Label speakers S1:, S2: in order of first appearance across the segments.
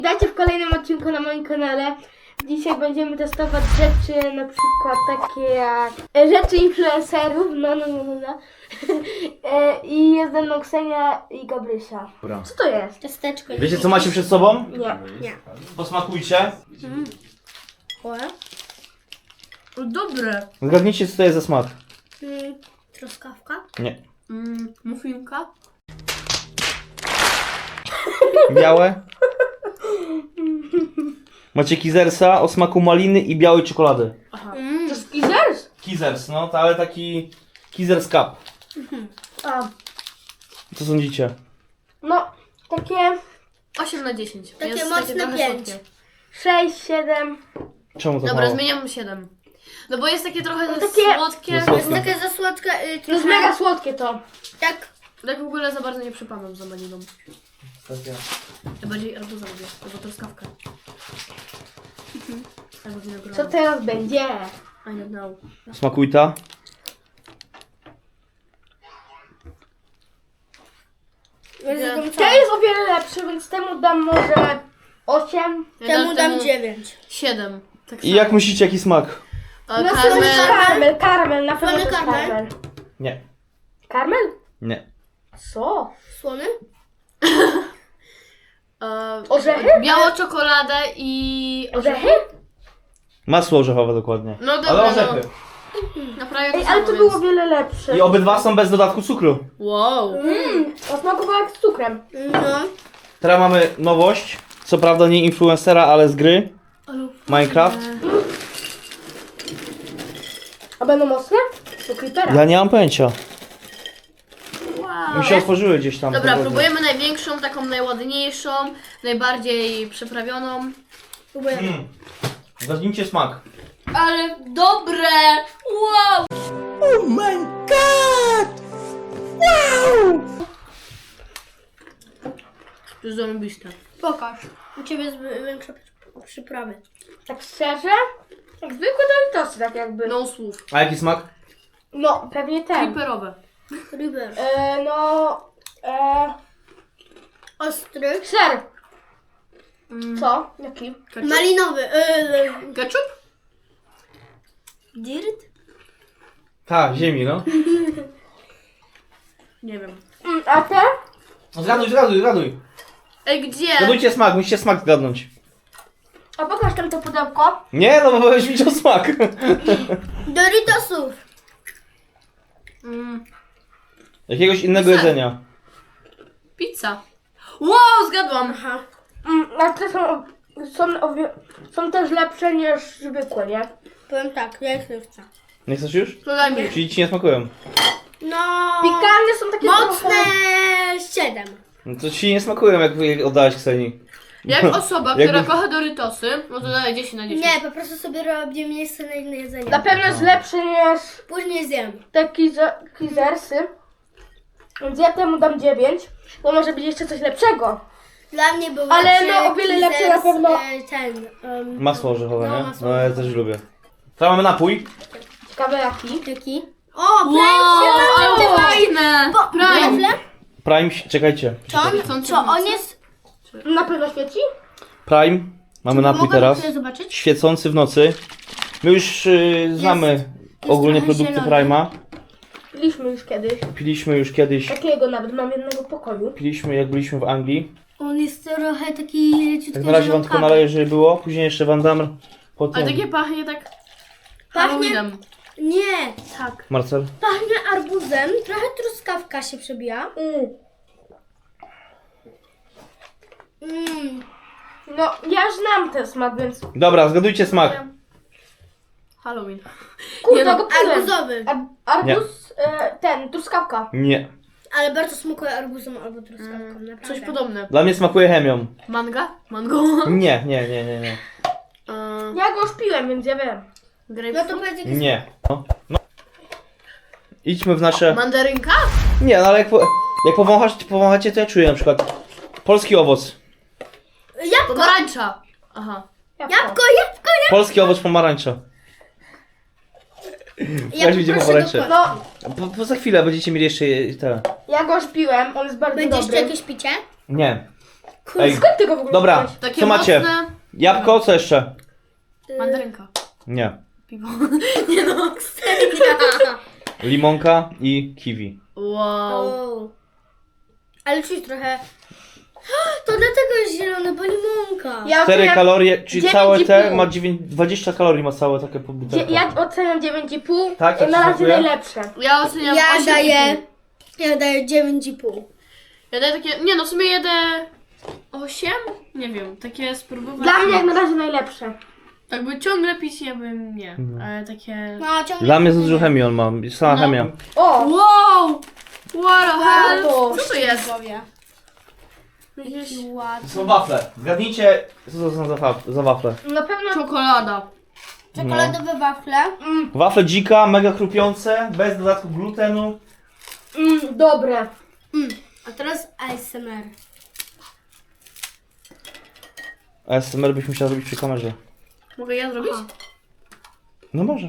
S1: Dajcie w kolejnym odcinku na moim kanale. Dzisiaj będziemy testować rzeczy, na przykład takie jak rzeczy influencerów, no. I jest ze mną Ksenia i Gabrysia.
S2: Dobra.
S1: Co to jest?
S3: Ciasteczko.
S2: Wiecie co macie przed sobą?
S1: Nie.
S2: Posmakujcie.
S3: Dobre.
S2: Zgadnijcie co to jest za smak.
S3: Truskawka.
S2: Nie.
S3: Muffinka.
S2: Białe. Macie kizersa o smaku maliny i białej czekolady.
S1: To jest Kizers?
S2: Kizers, no, ale taki Kizers Cup.
S1: A,
S2: Co sądzicie?
S1: no, takie
S3: 8 na 10.
S4: Takie
S3: Jest
S4: mocne
S3: trochę
S4: 5.
S3: słodkie.
S1: 6, 7.
S2: Czemu to
S3: Dobra,
S2: mało?
S3: zmieniam 7. No bo jest takie trochę
S1: takie-
S3: słodkie.
S2: Za słodkie.
S4: Takie za słodka.
S1: To jest mega słodkie to.
S4: Tak.
S3: Tak w ogóle za bardzo nie przypadam za maliną. Ja bardziej arbuza lubię, albo truskawkę. Albo winogron.
S1: Co teraz będzie?
S3: I don't know.
S2: Smakuj ta.
S1: To jest o wiele lepsze, więc temu dam może 8.
S3: Ja
S4: Temu dam 9.
S3: 7. Tak
S2: I
S3: samo.
S2: jak myślicie jaki smak?
S3: A,
S1: Na pewno jest
S3: karmel.
S1: karmel, na pewno to jest
S4: Słony karmel?
S1: karmel.
S2: Nie.
S1: Karmel?
S2: Nie.
S1: Co?
S4: Słony?
S1: Orzechy?
S3: Białą czekoladę i...
S1: Orzechy?
S2: Masło orzechowe dokładnie.
S3: No dobra,
S2: Ale orzechy.
S3: No prawie
S1: Ej,
S3: to
S1: ale
S3: samo,
S1: to było o
S3: więc...
S1: wiele lepsze.
S2: I obydwa są bez dodatku cukru.
S3: Wow.
S1: To smakowało jak z cukrem.
S4: No.
S2: Teraz mamy nowość. Co prawda nie influencera, ale z gry. Minecraft.
S1: A będą mocne? Do creepera.
S2: Ja nie mam pojęcia.
S3: Wow.
S2: Mi się otworzyły gdzieś tam.
S3: Dobra,
S2: po drodze.
S3: próbujemy największą, taką najładniejszą, najbardziej przyprawioną.
S2: Zgadnijcie smak.
S3: Ale dobre! Wow! To jest zarąbiste.
S4: Pokaż. U ciebie jest większe przyprawy.
S1: Tak szczerze? Jak zwykłe Doritosy, tak jakby.
S3: No słów.
S2: A jaki smak?
S1: No, pewnie ten.
S3: Creeperowe.
S4: River. Ostry.
S1: Ser. Co? Jaki?
S3: Ketchup?
S4: Malinowy.
S3: Ketchup?
S4: Dirt?
S2: Tak, ziemi, no.
S3: Nie wiem.
S1: A te?
S2: Zgaduj.
S3: Ej, gdzie?
S2: Zgadujcie smak, musicie smak zgadnąć.
S1: A pokaż tam to pudełko.
S2: Nie, no bo będziesz widział smak.
S4: Doritosów.
S2: Jakiegoś innego
S3: Ser.
S2: jedzenia.
S3: Pizza. Wow, zgadłam.
S4: Aha.
S1: A te są też lepsze niż zwykłe, nie?
S4: Powiem tak, ja ich nie chcę.
S2: Nie chcesz już?
S3: To daj mi.
S2: Czyli ci nie smakują.
S4: No.
S1: Pikantne są takie
S4: Mocne
S1: trochę...
S4: 7.
S2: No to ci nie smakują, jak oddałeś Ksenii.
S3: Jak osoba,
S2: Jakby-
S3: która kocha Doritosy, no to daje 10 na 10.
S4: Nie, po prostu sobie robię miejsce na inne jedzenie.
S1: Na pewno jest lepsze niż
S4: Później zjem.
S1: te kizersy. Więc ja temu dam 9. Bo może być jeszcze coś lepszego.
S4: Dla mnie był
S1: Ale
S4: lepszy
S1: no, o wiele lepsze na
S4: Kizers,
S1: pewno.
S4: Ten.
S2: Masło orzechowe,
S4: No,
S2: nie?
S4: masło
S2: No ja też lubię. Teraz mamy napój.
S1: Ciekawe jaki.
S4: Jaki? O,
S3: Wow, ale
S4: Prime się
S3: fajne! Prime!
S2: Prime, czekajcie.
S4: Co on jest?
S1: Na pewno świeci?
S2: Prime. Mamy napój
S4: Mogę
S2: teraz.
S4: sobie zobaczyć?
S2: Świecący w nocy. My już znamy ogólnie
S4: trochę
S2: produkty
S4: zielony.
S2: Prime'a.
S1: Piliśmy już kiedyś.
S2: Piliśmy już kiedyś.
S1: Takiego nawet mam jednego pokoju.
S2: Piliśmy jak byliśmy w Anglii.
S4: On jest trochę taki leciutko
S2: Tak na razie wam tylko
S4: zielonkawy.
S2: naleję, żeby było. Później jeszcze wam dam po
S3: A takie
S2: tym.
S3: pachnie tak...
S4: Pachnie?
S3: Halloweenem.
S4: Nie,
S3: Tak.
S2: Marcel?
S4: pachnie arbuzem, trochę truskawka się przebija.
S1: No, ja znam ten smak, więc...
S2: Dobra, zgadujcie smak.
S3: Halloween.
S1: Kurde,
S3: Nie no,
S1: go piłem.
S4: Arbuzowy.
S1: Arbuz, truskawka.
S2: Nie.
S4: Ale bardzo smakuje arbuzem albo truskawką, naprawdę.
S3: Coś podobne.
S2: Dla mnie smakuje chemią.
S3: Manga? Mango?
S2: Nie.
S1: Ja go już piłem, więc ja wiem.
S4: No
S3: Grapefruit?
S4: to powiedz jaki
S2: Nie. No. Idźmy w nasze...
S3: Mandarynka?
S2: Nie, no ale jak powąchacie, to ja czuję na przykład polski owoc.
S3: Pomarańcza. Aha.
S4: Jabłko.
S2: Polski owoc pomarańcza. Weź widzimy pomarańcze.
S1: No,
S2: Po za chwilę będziecie mieli jeszcze te.
S1: ja go już piłem, on jest bardzo
S4: Będzie jeszcze
S1: dobry.
S4: jakieś picie?
S2: Nie. Ej,
S1: Skąd ty go w ogóle
S2: dobra,
S1: wziąłeś?
S3: Takie
S2: co macie?
S3: mocne...
S2: Jabłko, co jeszcze?
S3: Mandarynka.
S2: Nie.
S3: Piwo.
S4: Nie no, serio.
S2: Limonka i kiwi.
S3: Wow.
S4: O. Ale czuć trochę... To dlatego jest zielone, bo limonka.
S1: Ja
S2: 4
S1: oceniam,
S2: kalorie, czyli
S1: 9,5.
S2: całe te ma 20 kalorii ma całe takie butelka.
S1: ja oceniam 9,5.
S2: Tak, to ci
S1: na razie
S2: smakuje?
S1: najlepsze.
S3: Ja oceniam
S4: Ja
S3: 8,5.
S4: daję 9,5.
S3: Ja daję takie... Nie no, w sumie jedę... 8? Nie wiem, takie spróbować.
S1: Dla mnie jak na razie najlepsze.
S3: Jakby ciągle pić ja bym nie. Ale takie...
S4: No, ciągle...
S2: Dla mnie za dużo chemii on ma, sama
S3: No.
S2: chemia.
S1: O!
S3: Wow! What the hell?
S1: to?
S3: Co to jest?
S4: Jaki ładny.
S2: To są wafle. Zgadnijcie, co to są za wafle.
S1: Na pewno...
S3: Czekolada.
S4: Czekoladowe wafle.
S2: Wafle dzika, mega chrupiące, bez dodatku glutenu.
S1: Dobre.
S4: A teraz ASMR.
S2: ASMR byś musiał robić przy kamerze.
S3: Mogę ja zrobić?
S2: No możesz.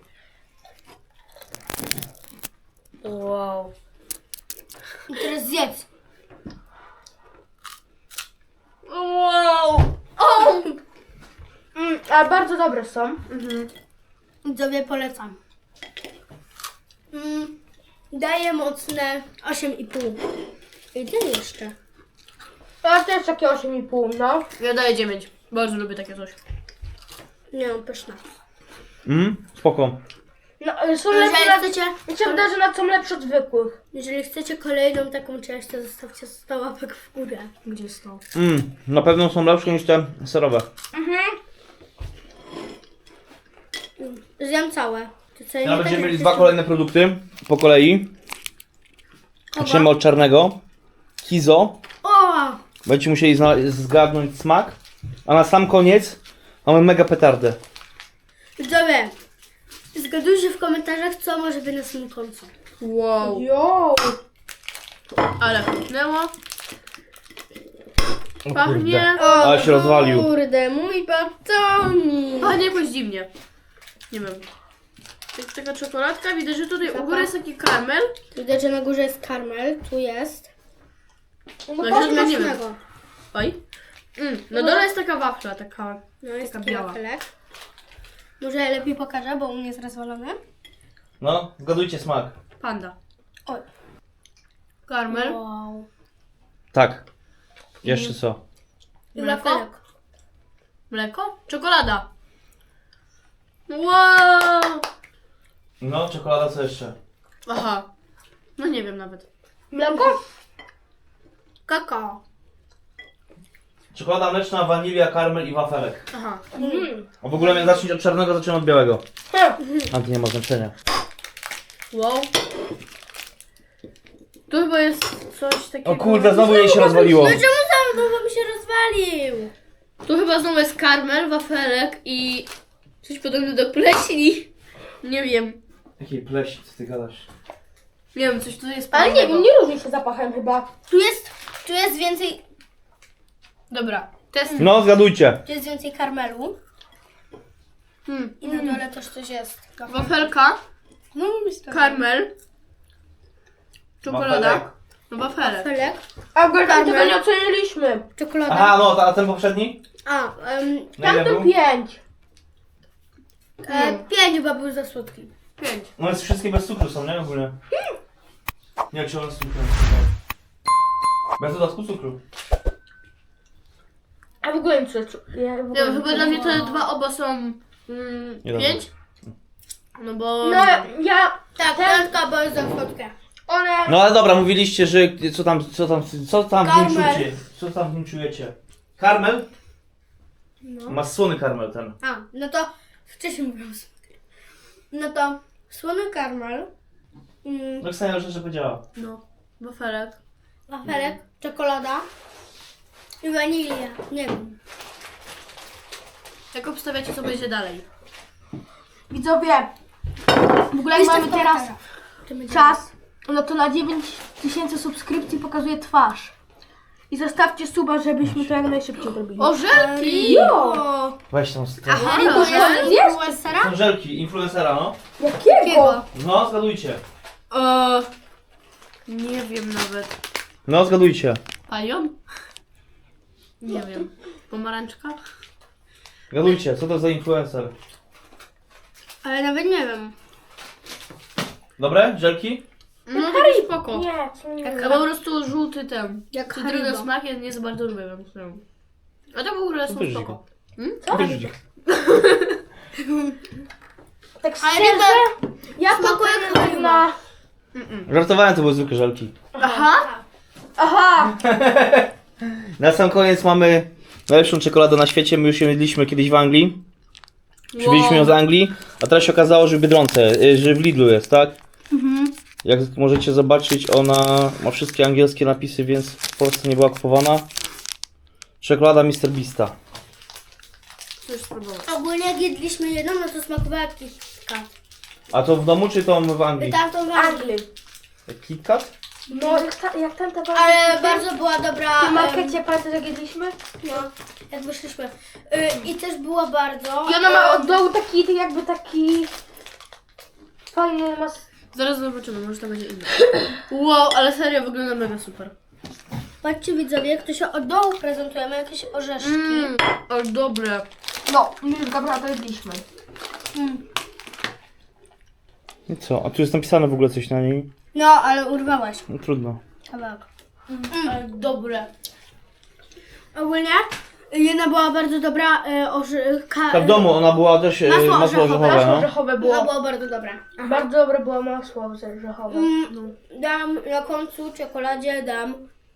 S3: Wow.
S4: I teraz zjedz.
S3: Wow!
S1: Ale bardzo dobre są.
S4: Widzowie polecam. Daję mocne 8,5. I ten jeszcze.
S1: Ja też takie 8,5, no.
S3: Ja daję 9. Bardzo lubię takie coś.
S4: Nie no, pyszne.
S2: Spoko.
S1: No, ale są
S4: Jeżeli
S1: lepsze,
S4: chcecie,
S1: mi się wydaje, że nad są lepsze od zwykłych.
S4: jeżeli chcecie kolejną taką część, to zostawcie 100 łapek w górę.
S3: Gdzie jest to?
S2: Na pewno są lepsze niż te serowe.
S4: Zjem całe. To co, nie
S2: Teraz
S4: tak
S2: będziemy
S4: jak
S2: mieli
S4: ty
S2: dwa
S4: się-
S2: kolejne produkty po kolei. Zaczniemy od czarnego. Kizo.
S4: O!
S2: Będziecie musieli zgadnąć smak. A na sam koniec mamy mega petardę.
S4: Widzowie, zgadujcie w komentarzach, co może być na samym końcu.
S3: Wow.
S1: Jo!
S3: Ale chutnęło.
S2: O
S3: Pachnie.
S2: kurde. Ale się rozwalił.
S4: Kurde, mój batonik.
S3: Pachnie jakoś dziwnie. Nie wiem. Jest taka czekoladka, widać, że tutaj u góry jest taki karmel.
S4: Widać, że na górze jest karmel, tu jest.
S3: No i środka nie wiem.
S4: Smacznego.
S3: Oj. Na dole jest taka wafla, taka...
S4: No jest
S3: Taka
S4: taki
S3: biała.
S4: wafelek. Może ja lepiej pokażę, bo u mnie jest rozwalony.
S2: No, zgadujcie smak.
S3: Panda.
S4: Oj.
S3: Karmel.
S4: Wow.
S2: Tak. Jeszcze co?
S4: I
S3: Mleko?
S4: wafelek.
S3: Mleko? Czekolada. Wow.
S2: No, czekolada co jeszcze?
S3: Aha. No nie wiem nawet.
S1: Mleko?
S4: Kakao.
S2: Czekolada mleczna, wanilia, karmel i wafelek.
S3: Aha.
S2: A w ogóle miałem zacząć od czarnego, zacząłem od białego. A to nie ma znaczenia.
S3: Wow. Tu chyba jest coś takiego...
S2: O kurde, znowu jej się rozwaliło.
S4: No czemu sam bo mi się rozwalił?
S3: Tu chyba znowu jest karmel, wafelek i... Coś podobnego do pleśni. Nie wiem.
S2: Jakiej pleśni, co ty gadasz?
S3: Nie wiem, coś tutaj jest
S1: Ale nie
S3: podobnego.
S1: wiem, nie różni się zapachem chyba.
S4: Tu jest więcej,
S3: Dobra. Test.
S2: No, zgadujcie.
S4: tu jest więcej karmelu. I na dole też coś jest.
S3: Wafelka,
S4: No myślę.
S3: karmel, czekolada,
S2: Wafelek.
S3: no wafelek.
S4: Wafelek.
S1: A w ogóle
S4: Karmel.
S1: tego nie oceniliśmy.
S4: Czekolada.
S2: Aha, no, a ten poprzedni?
S4: A,
S2: Na ile
S1: Tamten
S2: był?
S1: 5.
S4: 5 chyba był za słodki.
S3: 5.
S2: No, jest wszystkie bez cukru są, nie? Ogólnie. Nie, czy one z cukrem? Bez dodatku cukru.
S1: A w ogóle nic ja w
S3: Nie
S1: ogóle
S3: wiem, chyba dla mnie te dwa oba są
S2: Nie
S3: 5. No bo...
S1: No ja...
S4: Tak, piątka, bo jest za słodkie.
S1: One...
S2: No ale dobra, mówiliście, że co tam w nim
S4: Karmel.
S2: czujecie? Co tam w nim czujecie? Karmel? Ma słony karmel ten.
S4: A, no to wcześniej mówiłam słodkie. No to słony karmel,
S2: No Ksenia już jeszcze powiedziała.
S3: No, wafelek.
S4: wafelek, czekolada i wanilia. Nie wiem.
S3: Jak obstawiacie, co będzie dalej?
S1: Widzowie, w ogóle jak mamy teraz czas, no to na 9000 subskrypcji pokazuje twarz. I zostawcie suba, żebyśmy to jak najszybciej robili.
S3: O, żelki!
S4: O,
S2: Weź tą
S3: Aha,
S4: to
S3: dobrze.
S4: jest influencera?
S2: Są żelki, influencera, no.
S1: Jakiego?
S2: No, zgadujcie.
S3: Nie wiem nawet.
S2: No, zgadujcie.
S3: Palion? Nie wiem. Pomarańczka?
S2: Gadujcie, co to za influencer?
S4: Ale nawet nie wiem.
S2: Dobre? Żelki?
S3: No taki spoko.
S1: Nie, co nie.
S3: A po prostu żółty ten.
S4: Jak
S3: Cytryna
S4: Haribo.
S3: smak jest nie za bardzo lubię, więc nie wiem. A to w ogóle są
S2: Bierz
S3: spoko.
S2: Bierz.
S1: Tak
S4: Ale
S1: szczerze, ja
S4: smakuje
S1: to
S4: jak Haribo.
S1: na...
S2: Żartowałem, to były zwykłe żelki.
S3: Aha!
S1: Aha!
S2: Na sam koniec mamy najlepszą czekoladę na świecie. My już ją jedliśmy kiedyś w Anglii. Przywieźliśmy ją z Anglii, a teraz się okazało, że w Biedronce, że w Lidlu jest, tak? Jak możecie zobaczyć, ona ma wszystkie angielskie napisy, więc w Polsce nie była kupowana. Czekolada Mr. Beasta.
S3: Coś spróbować.
S4: Ogólnie jak jedliśmy jedną, no to smakowała jak KitKat.
S2: A to w domu czy to w Anglii?
S4: Tamtą w Anglii.
S2: KitKat?
S1: No, jak tam ta
S4: Ale bardzo była dobra.
S1: W markecie pamiętasz jak jedliśmy?
S4: No, jak wyszliśmy. I też była bardzo.
S1: I ona ma od dołu taki, jakby taki... Fajny ma...
S3: Zaraz zobaczymy, może to będzie inne. Wow, ale serio wygląda mega super.
S4: Patrzcie widzowie, jak to się od dołu prezentuje, ma jakieś orzeszki.
S3: Ale dobre.
S1: No, my już Gabriela to jedliśmy.
S2: I co? A tu jest napisane w ogóle coś na niej?
S4: No, ale urwałaś
S2: No trudno.
S4: kawałek.
S3: Ale dobre.
S4: Ogólnie jedna była bardzo dobra.
S2: Ta w domu ona była też
S4: Masło
S2: masło
S4: orzechowe.
S2: orzechowe,
S1: Masło
S2: no.
S1: orzechowe
S4: Ona
S1: było.
S4: była bardzo dobra.
S1: Bardzo dobre było masło orzechowe.
S4: Dam na końcu czekoladzie dam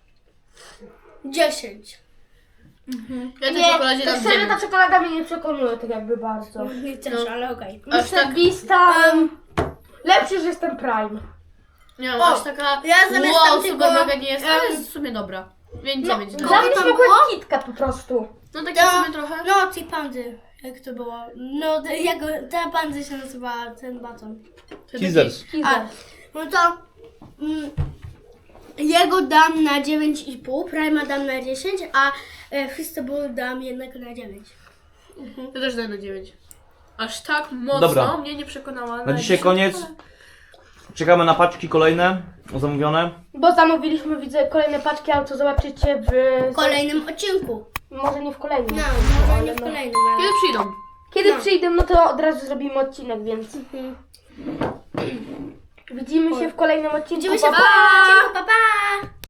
S4: 10.
S3: Ja tej
S1: Nie,
S3: czekoladzie
S1: to
S3: dam
S1: szczerze
S3: 9.
S1: ta czekolada mnie nie przekonuje tak jakby bardzo.
S4: Nie też,
S3: No.
S4: ale okej.
S3: Aż tak-
S1: Mr. Beasta... Lepszy, że jestem Prime.
S3: Nie wiem,
S4: O,
S3: aż taka
S4: ja zamiast
S3: wow,
S4: tamtego,
S3: super mega nie jest, ale jest w sumie dobra. Więc
S1: No,
S3: 9
S1: dla
S3: dam.
S1: mnie
S4: tam
S1: smakuje
S4: było?
S1: KitKat po prostu.
S3: No takie w sumie trochę.
S4: No, tej pandy. Jak to było? No, jak ta pandy się nazywała, ten baton.
S2: Teasers.
S4: A, no to jego dam na 9,5, Prima dam na 10, a Feastable dam jednak na 9.
S3: Ja też daję na 9. Aż tak mocno
S2: Dobra.
S3: mnie nie przekonała.
S2: Na dzisiaj koniec. Czekamy na paczki kolejne, zamówione.
S1: Bo zamówiliśmy, widzę, kolejne paczki, ale to zobaczycie
S4: W kolejnym odcinku.
S1: Może nie w kolejnym.
S4: No, może nie
S1: ale
S4: w
S1: no.
S4: kolejnym, ale...
S3: Kiedy przyjdą?
S1: Kiedy
S4: No.
S1: przyjdę, no to od razu zrobimy odcinek, więc... Widzimy się w kolejnym odcinku.
S4: Widzimy się w
S1: Pa, pa!
S4: kolejnym odcinku, pa pa!